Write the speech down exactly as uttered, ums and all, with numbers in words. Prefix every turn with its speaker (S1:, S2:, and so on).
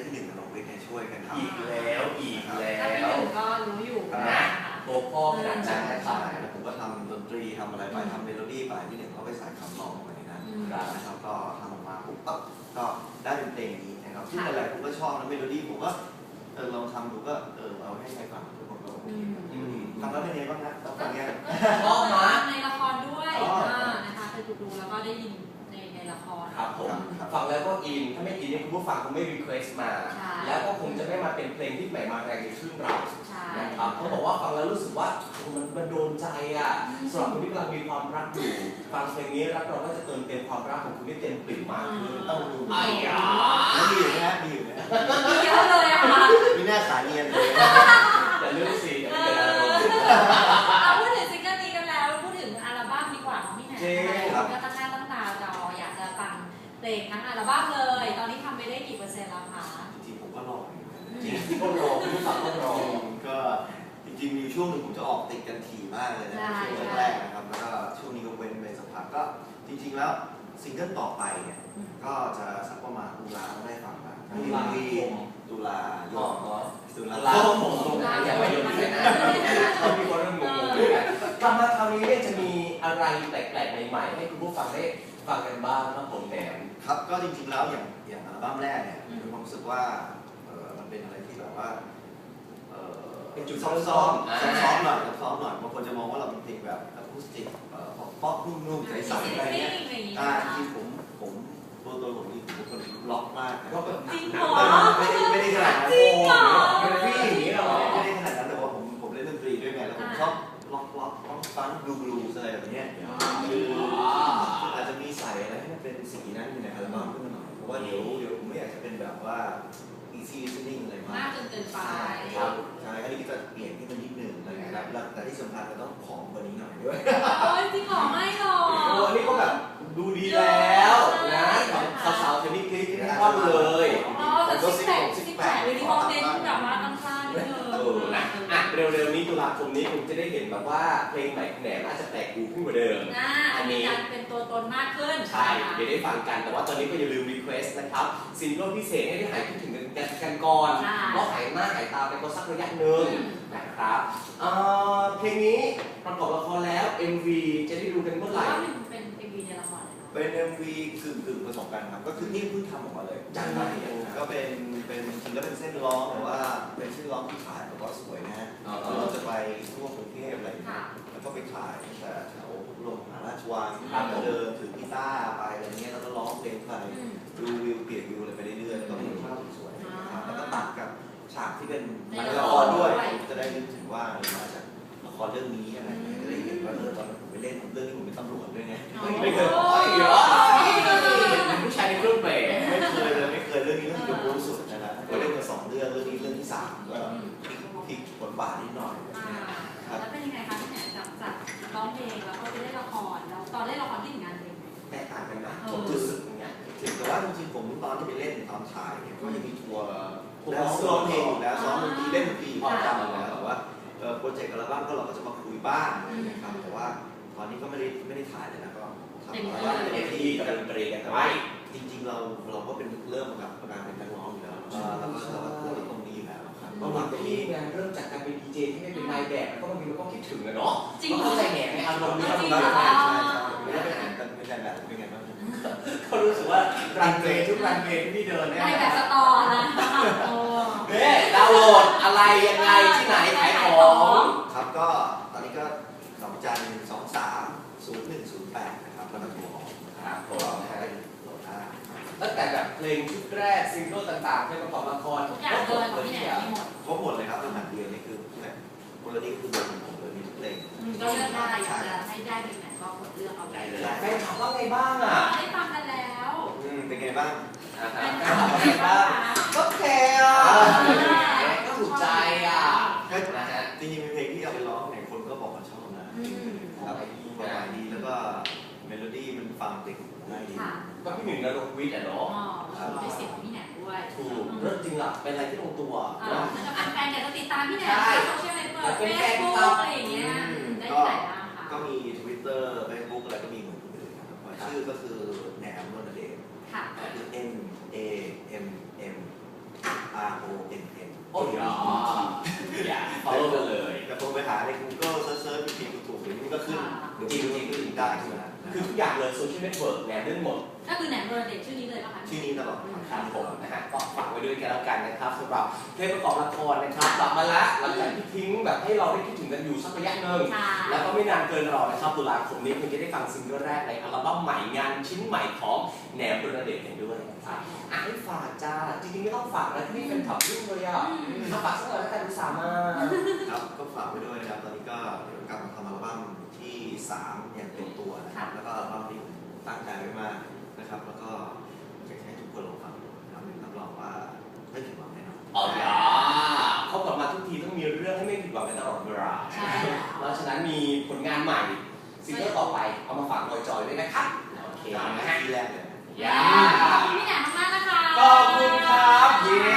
S1: พี่หนึ่งกับน้องวิทย์เนี่ยช่วยกันทำ
S2: อีกแล้วอีกแล้ว
S3: พี่หนึ่งก็รู้อยู่นะ
S2: ตัวพ่อขนาดนั้นนะครับ
S1: แล้วผมก็ทำดนตรีทำอะไรไปทำเมโลดี้ไปพี่หนึ่งเขาไปใส่คำร้องลงไปในนั้นนะครับก็ทำออกมาปุ๊บก็ได้เป็นเพลงนี้นะครับซึ่งหลายๆผมก็ชอบนะเมโลดี้ผมก็เออลองทำดูก็เออเอาให้ใครฟังทุกคนก็โอเคทำแล้วเป็นไงบ้างนะตอนนี้
S3: ชอบมากในละครด้วยนะคะไปดูดูแล้วก็ได้ยินในในละคร
S2: ครับผมฟังแล้วก็อินถ้าไม่อินเนี่ยคุณผู้ฟังคงไม่รีเควสต์มาแล้วก็คงจะไม่มาเป็นเพลงที่ใหม่มาแรงในชื่อเรานะครับเขาบอกว่าฟังแล้วรู้สึกว่ามันมันโดนใจอ่ะสำหรับคนที่กำลังมีความรักอยู่ฟังเพลงนี้รักเราก็จะเติมเต็มความรักของคุณให้เต็มปริ่มมากขึ้น
S1: ต้องดู
S2: ไอ้ยา
S1: แล้วมีอยู่นะมีอยู่นะ
S3: มีเยอะเลยอะค่ะ
S1: มีหน้าขาเนียนเลย
S2: อย่าลืมสิอย่าเป็นอารมณ์
S3: เอาพูดถึงซิงเกิลนี้กันแล้วพูดถึงอัลบั้มดีกว่าของพี่แหนมก็ตั้งหน้าตั้งตารออยากจะฟังเพลงทั้งอัลบั้มเลยตอนนี้ทำไปได้กี่เปอร์เซ็นต์แล้วคะ
S1: จริงๆผมก็รอ
S2: จริงๆก็รอคุณผู้ฟังก็รอ
S1: ก็จริงๆมีช่วงหนึ่งผมจะออกติดกันถี่มากเลยนะช่วงแรกนะครับแล้วก็ช่วงนี้ก็เว้นไปสักพักก็จริงๆแล้วซิงเกิลต่อไปเนี่ยก็จะสักประมาณตุลาได้ฟังกันตุลาตุลายอดตุลา
S2: ตุลาผมตรงไหนอย่าไปโยนที่ไหนนะเขามีคนเริ่มงงๆด้วยกันกลับมาคราวนี้เนี่ยจะมีอะไรแปลกๆใหม่ๆให้คุณผู้ฟังได้ฟังกันบ้างนะผมแหนม
S1: ครับก็จริงๆแล้วอย่างอย่างอัลบั้มแรกเนี่ยมีความรู้สึกว่ามันเป็นอะไรที่แบบว่า
S2: เป็นจุด
S1: ซ้อมซ้อมซ้อมหน่อยซ้อมหน่อยบางคนจะมองว่าเราเป็นเพลงแบบอะคูสติกป๊อปนุ่มๆใสๆอะไรเงี้ยอ่าจริงผมผมตัวตัวผมนี่ผมเป็นคนล็อกมาก
S3: ก็แบบจริงเหรอ
S1: ไม่ได้ไม่ได้ขนาดนั้น
S3: จริงเหรอ
S1: ไม่ได้อย่างนี้หรอไม่ได้ขนาดนั้นแต่ว่าผมผมเล่นดนตรีด้วยไงแล้วผมชอบล็อกล็อกล็อกฟังดูบลูส์อะไรแบบนี้คืออาจจะมีใส่อะไรให้มันเป็นสีนั้นอยู่ในอัลบั้มขึ้นมาหน่อยเพราะว่าเดี๋ยวเดี๋ยวผมไม่อยากจะเป็นแบบว่า easy listening อะไรมาก
S3: มากจนเกินไป
S1: ครับใช่ก็นี่ก็จะเปลี่ยนที่มันนิดนึงอะไรนะครับแต่ที่สำคัญมันต้องผอมกว่านี้หน่อยด้วย
S3: โอ้ยจริงหรอไม่หรอก
S2: โอ้นี่ก็แบบดูดีแล้วนะสาวๆเทนนิสคลิปที่ไม่ชอบเลย
S3: อ๋อแต่ซิกแพคซิกแพควิดีโอเน้นแบบว่าตั้งค่านิดนึง
S2: เออนะอ่ะเร็วๆนี้ตุลาคมนี้คุณจะได้เห็นแบบว่าเพลงใหม่แหนมอาจจะแปลกหูขึ้นกว่าเดิม
S3: อันนี้การเป็นตัวตนมากขึ้น
S2: ใช่เดี๋ยวได้ฟังกันแต่ว่าตอนนี้ก็อย่าลืมรีเควสต์นะครับซิงเกิลพิเศษให้ได้หายคิดถึงกันกันก่อนเพราะหายหน้าหายตาไปก็สักระยะหนึ่งนะครับเพลงนี้ประกอบละครแล้ว เอ็ม วี จะได้ดูกันเมื่อไหร่
S3: เป็น เอ็ม วี ในละคร
S1: เป็น เอ็ม วี กึ่งกึ่งผสมกันครับก็คือนี่เพิ่งทำออกมาเลยจังไรก็เป็นเป็นจริงแล้วเป็นเส้นร้องแต่ว่าเป็นเส้นร้องที่ขายแล้วก็สวยนะฮะเราจะไปทั่วกรุงเทพอะไรอย่างเงี้ยแล้วก็ไปขายแต่แถวลงมหาราชวังเดินถือกีตาร์ไปอะไรเงี้ยแล้วก็ร้องเพลงไปดูวิวเปลี่ยนวิวอะไรไปเรื่อยๆแล้วก็มีภาพสวยๆแล้วก็ตัดกับฉากที่เป็นละครด้วยจะได้นึกถึงว่ามาจากละครเรื่องนี้อะไรเงี้ยจะได้เห็นว่าเออตอนผมไปเล่นเรื่องนี้ผมเป็นตำรวจด้วยไง
S2: ไม่เคยอ๋อเป็นผู้ชายในเครื่องแบบ
S1: ไม่เคยเลยไม่เคยเรื่องนี้เรื่องที่รู้สุดนะครับก็เล่นมาสองเรื่องเรื่องนี้เรื่องที่สามก็พลิกบทบาทนิดหน่อย
S3: แล้วเป็นยังไงคะที่ไหนจากจากร้องเพลงแล้วก็ไปเล่นละครแล้วตอนเล่นละครที่ถึงงานเพลง
S1: แตกต่างกันนะผมรู้สึกอย่างเงี้ยแต่ว่าจริงๆผมตอนที่ไปเล่นตอนถ่ายเนี่ยก็จะมีทัวร์แล้วซ้อมเพลงแล้วซ้อมดนตรีเล่นดนตรีพอจำแล้วแต่ว่าโปรเจกต์อัลบั้มก็เราก็จะมาคุยบ้างนะครับแต่ว่าตอนนี้ก็ไม่ได้ไม่ได้ถ่ายเลยนะก็ทำอัลบั้ม
S2: เต็มที่กับดนตรีกันแต่ว่า
S1: จริงๆเราเราก็เป็นเริ่มกับการเป็นนักร้องอยู่แล้วแล้วก็เราก็ตรงนี้อยู่แล้วครับ
S2: ก็มาที่งานเริ่มจากการเป็นดีเจที่ไม่เป็นนายแบบแล้วก็บางทีมันก็คิดถึงนะเนาะก็เข้าใจแง่ในอารมณ์นี้เรา
S1: ได้ใช่ใช่ไม่ได้เป็นไม่ใช่แบบเป็นไงบ้าง
S2: เขารู้สึกว่ารันเวย์ทุกรันเวย์ที่พี่เดินเนี่ย
S3: ได้แบบสตอนะ
S2: เนี่ยดาวน์โหลดอะไรยังไงที่ไหนขายของ
S1: ครับก็ตอนนี้ก็ดอกจันสองสามศูนย์หนึ่งศูนย์แปดนะครับแล้วก็โทรออก
S2: ครับผม
S1: ให้โหลดได้
S2: ตั้งแต่แบบเพลงชุดแรกซิงเกิลต่างๆเพลงประกอบละคร
S3: ทุกอย่างเลยของพี่แหนมหมด
S1: ครบหมดเลยครับตั้งแต่เดียวนี่คือคนละนี่คือตัวของผมเลยมีทุกเพลง
S3: ก็เลือกได้อยากจะให้ได้เพลงไหนก็กดเลือกเอาได้เลย
S2: แฟนถามว่าไงบ้างอ่ะ
S3: ได้ฟังกันแล้ว
S1: เป็นไงบ้าง
S2: เป็นไงบ้างก็แคร์อ่ะก็ถูกใจอ่ะ
S1: นะฮะจริงๆเป็นเพลงที่เอาไปร้องเนี่ยคนก็บอกว่าชอบนะครับความหมายดีแล้วก็เมโลดี้มันฟังติดง่ายดี
S2: ก็พี่หนึ่งนรงค์วิทย์อ่ะเนาะ
S3: เป็นเสียงของพี่แหนมด้วย
S2: ถูกเรื่องจริงล่ะเป็นอะไรที่ลงตัว
S3: แฟนๆแต่ก็ติดตามพี่แหนมโซเชียลเน็ตเวิร์กเฟซบุ๊กอะไรอย่างเงี้ยได้ที่ไหนบ้างคะ
S1: ก็มี Twitter Facebook อะไรก็มีเหมือนกันเลยครับชื่อก็คือแหนมนนเดชก็คือ N A M M
S2: follow กันเลย
S1: แต่ผมไปหาใน Google เซิร์ชๆผิดๆถูกๆเดี๋ยวนี้ก็ขึ้นเดี๋ยวจริงๆก็ถึงได้ใช่ไหม
S2: คือทุกอย่างเลยโซเชียลเน็ตเวิร์กแนมเรื่องหมด
S3: ก็คือแหนมโรเดตชื่อนี้เลยป่ะคะ
S1: ชื่อนี้ตลอด
S2: ครับผมนะฮะก็ฝากไว้ด้วยกันแล้วกันนะครับสำหรับเพลงประกอบละครนะครับกลับมาแล้วหลังจากที่ทิ้งแบบให้เราได้คิดถึงกันอยู่สักระยะหนึ่งแล้วก็ไม่นานเกินรอนะครับตุลาคมนี้คุณจะได้ฟังซิงเกิลแรกในอัลบั้มใหม่งานชิ้นใหม่ของแหนมโรเดตกันด้วยนะครับอ่ะให้ฝากจ้าจริงๆไม่ต้องฝากนะที่นี่เป็นขับรุ่งเลยอ่ะถ้าฝากสักหน่อยแล้วกันอุตส่าห์มา
S1: ครับก็ฝากไว้ด้วยนะครับตอนนี้ก็เดี๋ยวกลับมาทำอัลบั้มที่สามอย่างเต็มตัวนะครับแล้วก็อัลบั้มที่ตั้งใจไว้มากนะครับแล้วก็อยากให้ทุกคนลองฟังดูนะครับรับรองว่าไม่ผิดหวังแน่นอน
S2: อ๋ออย่าเขากลับมาทุกทีต้องมีเรื่องให้ไม่ผิดหวังกันตลอดเวลา
S3: ใช่
S2: เพราะฉะนั้นมีผลงานใหม่ซิงเกิลต่อไปเอามาฝากจอยๆด้วยนะครับโอเค
S1: ตาม
S2: นะ
S1: หน้า
S2: ฮะ
S1: ที่แรกเลย
S2: อย่า
S3: ขอบคุณพี่แหนมมากๆนะคะ
S2: ขอบคุณครับเย้